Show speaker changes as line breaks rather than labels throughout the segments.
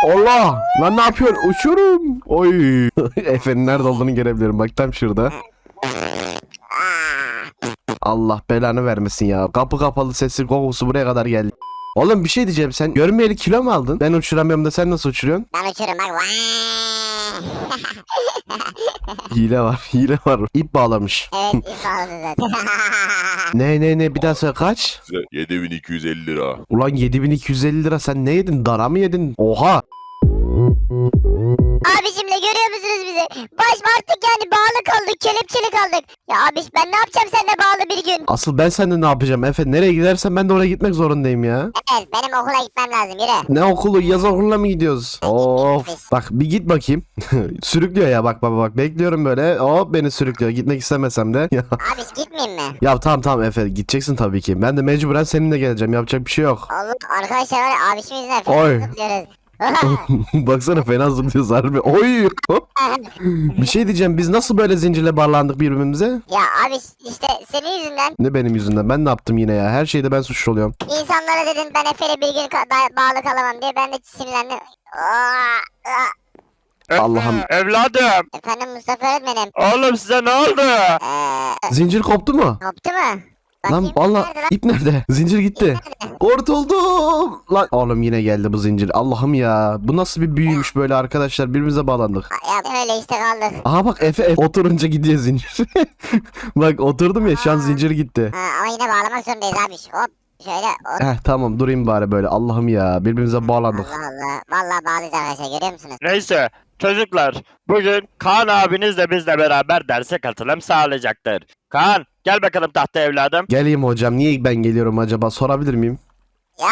Allah! Lan ne yapıyorsun? Uçuyorum. Oy. Efe'nin nerede olduğunu görebilirim. Bak tam şurada. Allah belanı vermesin ya. Kapı kapalı, sesi kokusu buraya kadar geldi. Oğlum bir şey diyeceğim, sen görmeyeli kilo mu aldın? Ben uçuramıyorum da sen nasıl uçuruyorsun?
Ben uçurum bak.
Hile var, hile var. İp bağlamış.
Evet ip aldı zaten.
Ne bir daha söyle, kaç?
Size 7250 lira.
Ulan 7250 lira, sen ne yedin? Dana mı yedin? Oha!
Abicimle görüyor musunuz bizi? Baş artık yani bağlı kaldık, kelepçeli kaldık. Ya abiş ben ne yapacağım seninle bağlı bir gün?
Asıl ben seninle ne yapacağım Efe? Nereye gidersen ben de oraya gitmek zorundayım ya.
Evet benim okula gitmem lazım yürü.
Ne okulu? Yaz okuluna mı gidiyoruz? Of. Bak bir git bakayım. Sürüklüyor ya, bak baba bak. Bekliyorum böyle. Hop beni sürüklüyor. Gitmek istemesem de.
Abiş gitmeyeyim mi?
Ya tamam Efe, gideceksin tabii ki. Ben de mecburen seninle geleceğim. Yapacak bir şey yok.
Oğlum arkadaşlar var ya abişim yüzünden
Oy.
fena zıplıyoruz.
Baksana fena zıplıyoruz harbi. Oy. Hop. Bir şey diyeceğim. Biz nasıl böyle zincirle bağlandık birbirimize?
Ya abiş işte senin yüzünden
Ne benim yüzümden? Ben ne yaptım yine ya? Her şeyde ben suçlu oluyorum.
insanlara dedin ben Efe'yle bir gün bağlı kalamam diye ben de sinirlendim.
Allah'ım.
Evladım.
Efendim Mustafa öğretmenim.
Oğlum size ne oldu?
Zincir koptu mu?
Koptu mu?
Lan
Bakayım,
valla
nerede lan?
ip nerede? Zincir gitti.
Nerede?
Kurtuldum. Lan oğlum yine geldi bu zincir. Allah'ım ya. Bu nasıl bir büyümüş böyle arkadaşlar. Birbirimize bağlandık.
Ya öyle işte kaldık.
Aha bak Efe oturunca gidiyor zincir. Bak oturdum ya, şu an zincir gitti.
Ha, ama yine bağlamak zorundayız abi. Hop şöyle hop.
Tamam durayım bari böyle. Allah'ım ya, birbirimize bağlandık.
Allah Allah. Vallahi bağlıyız arkadaşlar görüyor musunuz?
Neyse çocuklar bugün Kaan abiniz de bizle beraber derse katılım sağlayacaktır. Kaan gel bakalım tahta evladım.
Geleyim hocam, niye ben geliyorum acaba, sorabilir miyim?
Ya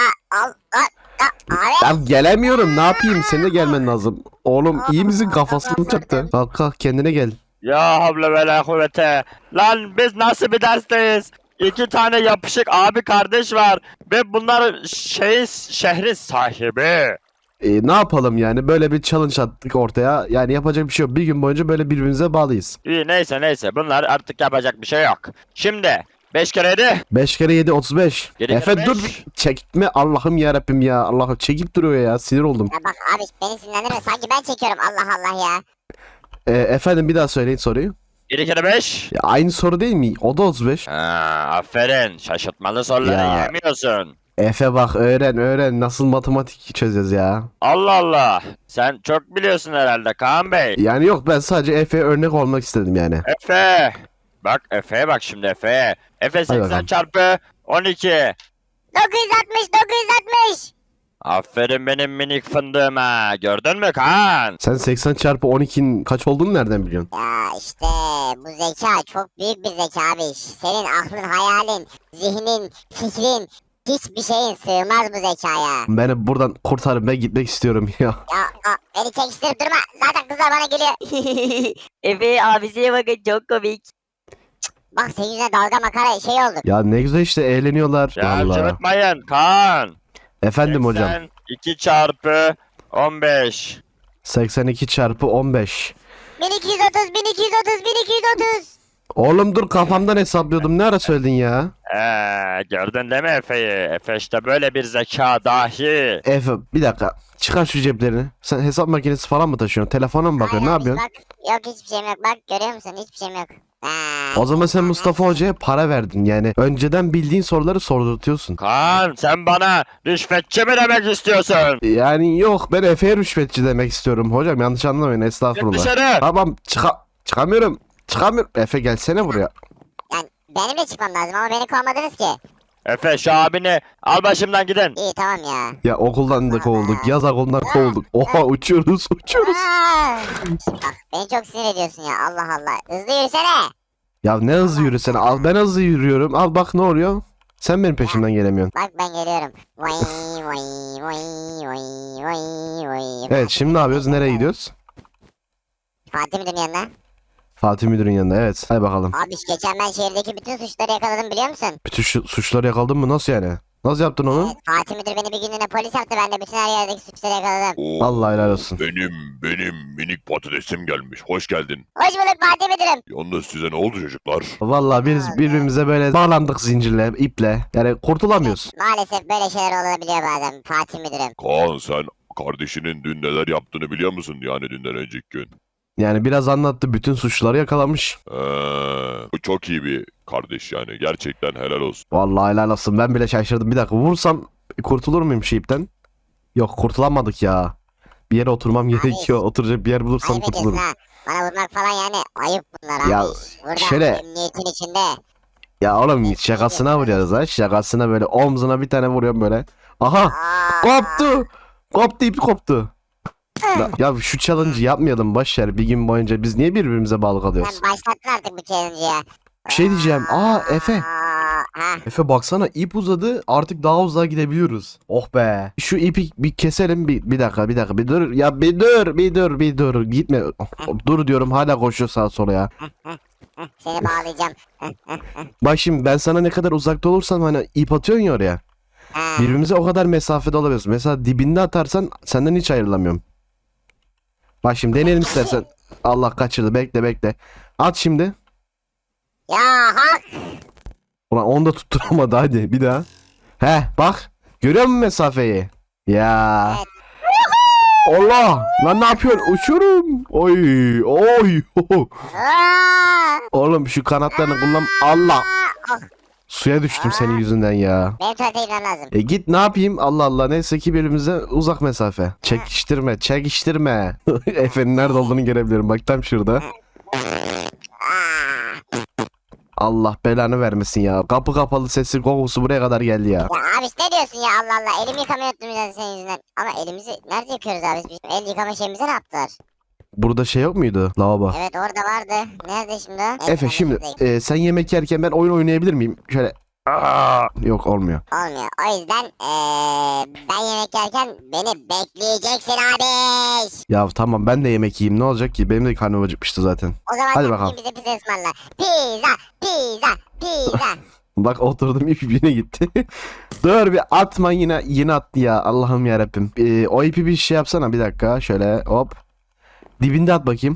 abi.
Ya gelemiyorum, ne yapayım, senin de gelmen lazım. Oğlum iyi misin, kafasını çaktı. Kalk kendine gel.
Ya havle ve la kuvvete. Lan biz nasıl bir dersteyiz? İki tane yapışık abi kardeş var ve bunlar şehrin sahibi.
Ne yapalım yani, böyle bir challenge attık ortaya. Yani yapacak bir şey yok. Bir gün boyunca böyle birbirimize bağlıyız.
İyi neyse bunlar artık yapacak bir şey yok. Şimdi 5 kere 7.
5 kere 7 35.
Yedi kere
Efe dur
beş.
çekme, Allah'ım yarabbim ya. Allah'ım çekip duruyor ya, sinir oldum.
Ya bak abi beni sinirlendirme. Sanki ben çekiyorum Allah Allah ya.
Efendim bir daha söyleyin soruyu.
7 kere 5.
Ya, aynı soru değil mi? O da 35.
Aferin şaşırtmalı soruları
Ya.
yemiyorsun.
Efe bak öğren nasıl matematik çözeceğiz ya.
Allah Allah. Sen çok biliyorsun herhalde Kaan Bey.
Yani yok, ben sadece Efe'ye örnek olmak istedim yani.
Efe. Bak Efe'ye bak şimdi Efe'ye. Efe 80
bakalım.
çarpı 12.
960 960.
Aferin benim minik fındığıma. Gördün mü Kaan?
Sen 80 çarpı 12'nin kaç olduğunu nereden biliyorsun?
Ya işte bu zeka çok büyük bir zeka abi. Senin aklın, hayalin, zihnin, fikrin hiçbir şeyin sığmaz bu zekaya.
Beni buradan kurtarın, ben gitmek istiyorum ya.
Ya beni çekiştirip durma. Zaten kızlar bana geliyor.
Efe abisine bakın çok komik.
Bak senin yüzüne dalga makara şey olduk.
Ya ne güzel işte, eğleniyorlar.
Ya
Vallahi.
cıvıtmayın Kaan.
Efendim hocam.
2 çarpı 15.
82 çarpı 15.
1230 1230 1230.
Oğlum dur, kafamdan hesaplıyordum. Ne ara söyledin ya?
Gördün değil mi Efe'yi? Efe işte böyle bir zeka dahi.
Efe bir dakika. Çıkar şu ceplerini. Sen hesap makinesi falan mı taşıyorsun? Telefona mı bakıyorsun? Ne
Hayır abi,
yapıyorsun?
Bak, yok hiçbir şeyim yok. Bak görüyor musun? Hiçbir şeyim yok.
O zaman sen Mustafa Hoca'ya para verdin. Yani önceden bildiğin soruları sordurtuyorsun.
Kaan sen bana rüşvetçi mi demek istiyorsun?
Yani yok, ben Efe'ye rüşvetçi demek istiyorum. Hocam yanlış anlamayın,
Git
estağfurullah.
dışarı.
Tamam çıkamıyorum. Çıkamıyorum. Efe gelsene buraya.
Yani benim de çıkmam lazım ama beni kovmadınız ki.
Efe şu abini al başımdan gidin.
İyi tamam ya.
Ya okuldan da kovulduk. Yaz okulundan kovulduk. Oha uçuyoruz.
Bak beni çok sinir ediyorsun ya Allah Allah. Hızlı yürüsene.
Ya ne hızlı yürüsene. Al, ben hızlı yürüyorum. Al bak ne oluyor. Sen benim peşimden gelemiyorsun.
Bak ben geliyorum. Vay vay vay vay vay vay.
Evet şimdi ne yapıyoruz? Nereye gidiyoruz?
Fatih Müdür'ün yanına.
Fatih Müdür'ün yanına, evet. Hadi bakalım.
Abi geçen ben şehirdeki bütün suçları yakaladım biliyor musun?
Bütün suçları yakaladın mı? Nasıl yani? Nasıl yaptın onu?
Evet, Fatih Müdür beni bir günlüğüne polis yaptı. Ben de bütün her yerdeki suçları yakaladım.
Oo,
Allah helal olsun.
benim minik patatesim gelmiş. Hoş geldin.
Hoş bulduk Fatih Müdürüm.
Yalnız size ne oldu çocuklar?
Vallahi biz birbirimize böyle bağlandık zincirle, iple. Yani kurtulamıyoruz.
Maalesef böyle şeyler olabiliyor bazen Fatih Müdürüm.
Kaan sen kardeşinin dün neler yaptığını biliyor musun? Yani dünden önceki gün.
Yani biraz anlattı, bütün suçları yakalamış.
Bu çok iyi bir kardeş yani. Gerçekten helal olsun.
Vallahi helal olsun, ben bile şaşırdım. Bir dakika, vursam kurtulur muyum şeyipten? Yok, kurtulamadık ya. Bir yere oturmam gerekiyor. Oturacak bir yer bulursam
Ayıp ediyorsun
kurtulurum.
ha. Bana vurmak falan yani ayıp bunlar abi.
Ya,
Burada
şöyle-
emniyetin içinde.
Ya oğlum, şakasına vuruyoruz ha. Şakasına böyle omzuna bir tane vuruyorum böyle. Aha!
Aa,
Koptu! Koptu, ipi koptu. Ya şu challenge'ı yapmayalım, boşver. Bir gün boyunca biz niye birbirimize bağlı kalıyoruz?
Sen başlattın artık bu challenge'ı ya.
Bir şey diyeceğim. Efe.
Ha.
Efe baksana, ip uzadı, artık daha uzağa gidebiliyoruz. Oh be. Şu ipi bir keselim, bir dakika bir dur. Ya bir dur gitme. Dur diyorum, hala koşuyor sağa sola ya.
Seni bağlayacağım.
Bak şimdi, ben sana ne kadar uzakta olursam hani ip atıyorsun ya oraya.
Ha.
Birbirimize o kadar mesafede olabiliyoruz. Mesela dibinde atarsan senden hiç ayrılamıyorum. Bak şimdi deneyelim istersen. Allah, kaçırdı, bekle. At şimdi.
Ya hak.
Ulan onu da tutturamadı, hadi bir daha. Bak. Görüyor musun mesafeyi? Ya.
Evet.
Allah. Lan ne yapıyorsun? Uçuyorum. Oy.
Aa!
Oğlum şu kanatlarını kullan. Allah.
Ah,
Suya düştüm senin yüzünden ya.
benim tuvalete gitmem lazım.
Git, ne yapayım? Allah Allah. Neyse ki birbirimize uzak mesafe. Çekiştirme. Efe'nin nerede olduğunu görebilirim. Bak tam şurada.
Aa!
Allah belanı vermesin ya. Kapı kapalı, sesi kokusu buraya kadar geldi ya.
Ya abi ne diyorsun ya, Allah Allah. Elimi yıkamayı unuttum zaten senin yüzünden. Ama elimizi nerede yıkıyoruz abi? Bizim el yıkama şeyimize ne yaptılar?
Burada şey yok muydu? Lavabo.
Evet, orada vardı. Nerede şimdi o?
Efe şimdi sen yemek yerken ben oyun oynayabilir miyim? Şöyle. Yok, olmuyor.
Olmuyor. O yüzden ben yemek yerken beni bekleyeceksin abi.
Ya tamam, ben de yemek yiyeyim, ne olacak ki? Benim de karnım acıkmıştı zaten.
O zaman
Hadi
sen
bakalım.
bize pizza ısmarla. Pizza.
Bak oturdum, ip yine gitti. Dur bir atma, yine attı ya. Allah'ım yarabbim. O ipi bir şey yapsana, bir dakika. Şöyle hop. Dibinde at bakayım.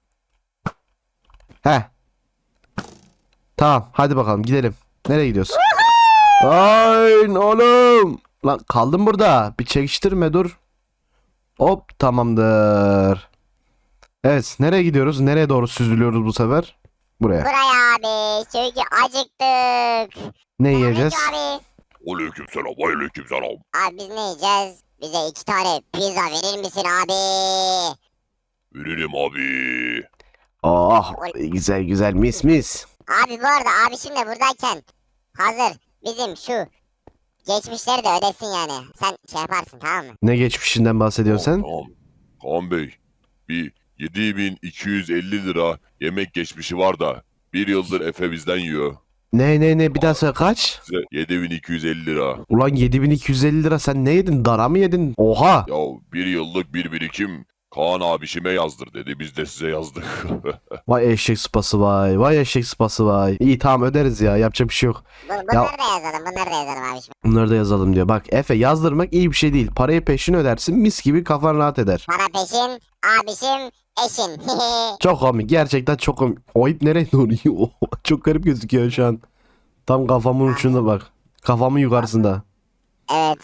Tamam, hadi bakalım gidelim. Nereye gidiyorsun? Ay oğlum. Lan kaldım burada. Bir çekiştirme, dur. Hop, tamamdır. Evet, nereye gidiyoruz? Nereye doğru süzülüyoruz bu sefer? Buraya.
Buraya abi. Çünkü acıktık.
Ne yiyeceğiz?
Abi.
Aleykümselam, aleykümselam.
Abi biz ne yiyeceğiz? Bize 2 tane pizza verir misin abi?
Veririm abi.
Oh, güzel mis.
Abi bu arada abi şimdi buradayken hazır bizim şu geçmişleri de ödesin yani. Sen şey yaparsın, tamam mı?
Ne geçmişinden bahsediyorsun sen?
Tamam. Kaan Bey, bir 7250 lira yemek geçmişi var da bir yıldır Efe bizden yiyor.
Ne bir daha söyle, kaç?
Size 7250 lira.
Ulan 7250 lira, sen ne yedin? Dara mı yedin? Oha.
Ya bir yıllık bir birikim Kaan abişime yazdır dedi. Biz de size yazdık.
Vay eşek sıpası vay. İyi, tamam, öderiz ya, yapacak bir şey yok.
Bunları da yazalım. Bunları da yazalım abi şimdi.
Bunları da yazalım diyor. Bak Efe, yazdırmak iyi bir şey değil. Parayı peşin ödersin, mis gibi kafan rahat eder.
Para peşin, abişim, eşin.
Çok komik, gerçekten çok komik. O ip nereye doğru yiyor? Çok garip gözüküyor şu an. Tam kafamın ucunda bak. Kafamın yukarısında.
Evet.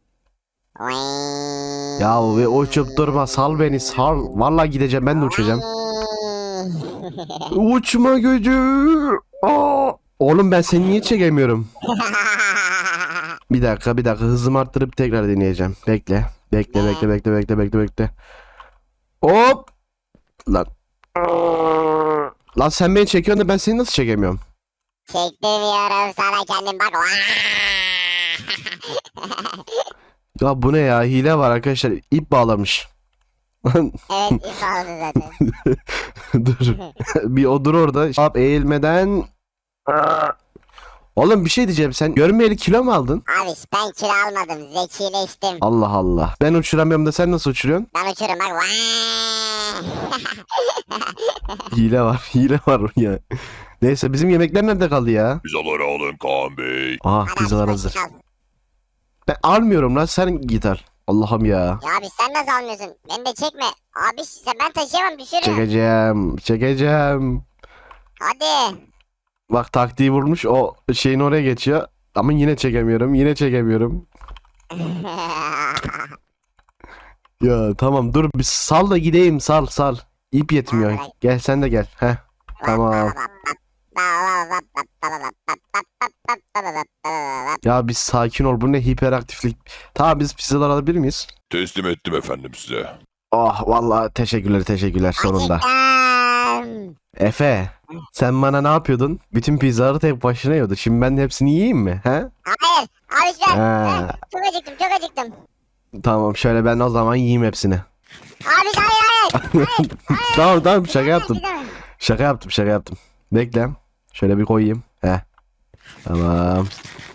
Ya ve uçup durma, sal beni, sal. Vallahi gideceğim, ben de uçacağım. Uçma gücü. Aa! Oğlum ben seni niye çekemiyorum? Bir dakika hızımı arttırıp tekrar deneyeceğim. Bekle. Hop. Lan. Lan sen beni çekiyorsun da ben seni nasıl çekemiyorum?
Çektirmiyorum sana, kendim bak.
Ya bu ne ya, hile var arkadaşlar, ip bağlamış.
Evet, ip aldı zaten.
Dur. Bir odur orada. Hop, eğilmeden. Oğlum bir şey diyeceğim, sen görmeyeli kilo mu aldın?
Abi ben kilo almadım, zekileştim.
Allah Allah. Ben uçuramıyorum da sen nasıl uçuruyorsun?
Ben uçurum bak.
Hile var ya. Neyse, bizim yemekler nerede kaldı ya?
Pizzaları alın Kaan Bey.
Aha, pizzalar hazır. Ben almıyorum lan, sen git al. Allah'ım ya.
Ya abi sen nasıl almıyorsun? Beni de çekme. Abi ben taşıyamam, düşürürüm.
Çekeceğim.
Hadi.
Bak taktiği vurmuş, o şeyin oraya geçiyor. Ama yine çekemiyorum. Ya tamam dur bir sal da gideyim sal. İp yetmiyor. Gel sen de gel. Heh. Tamam. Ya bir sakin ol. Bu ne hiperaktiflik. Tamam biz pizzalar alabilir miyiz?
Teslim ettim efendim size.
Oh vallahi teşekkürler sonunda.
Acıktım.
Efe sen bana ne yapıyordun? Bütün pizzaları tek başına yiyordun. Şimdi ben de hepsini yiyeyim mi? He?
Hayır. Abi ben
Ha,
çok acıktım çok acıktım.
tamam şöyle ben o zaman yiyeyim hepsini.
Abi hayır.
Tamam şaka yaptım.
Gidemem.
Şaka yaptım. Bekle. Şöyle bir koyayım. He. Tamam.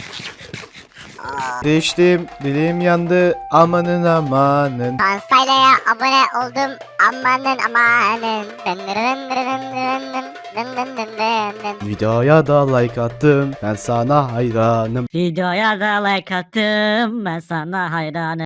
Değiştim, dilim yandı, amanın amanın.
Kansayla'ya abone oldum. Amanın amanın. Dın dın dın dın dın dın dın dın dın dın.
Videoya da like attım, ben sana hayranım.
Videoya da like attım ben sana hayranım.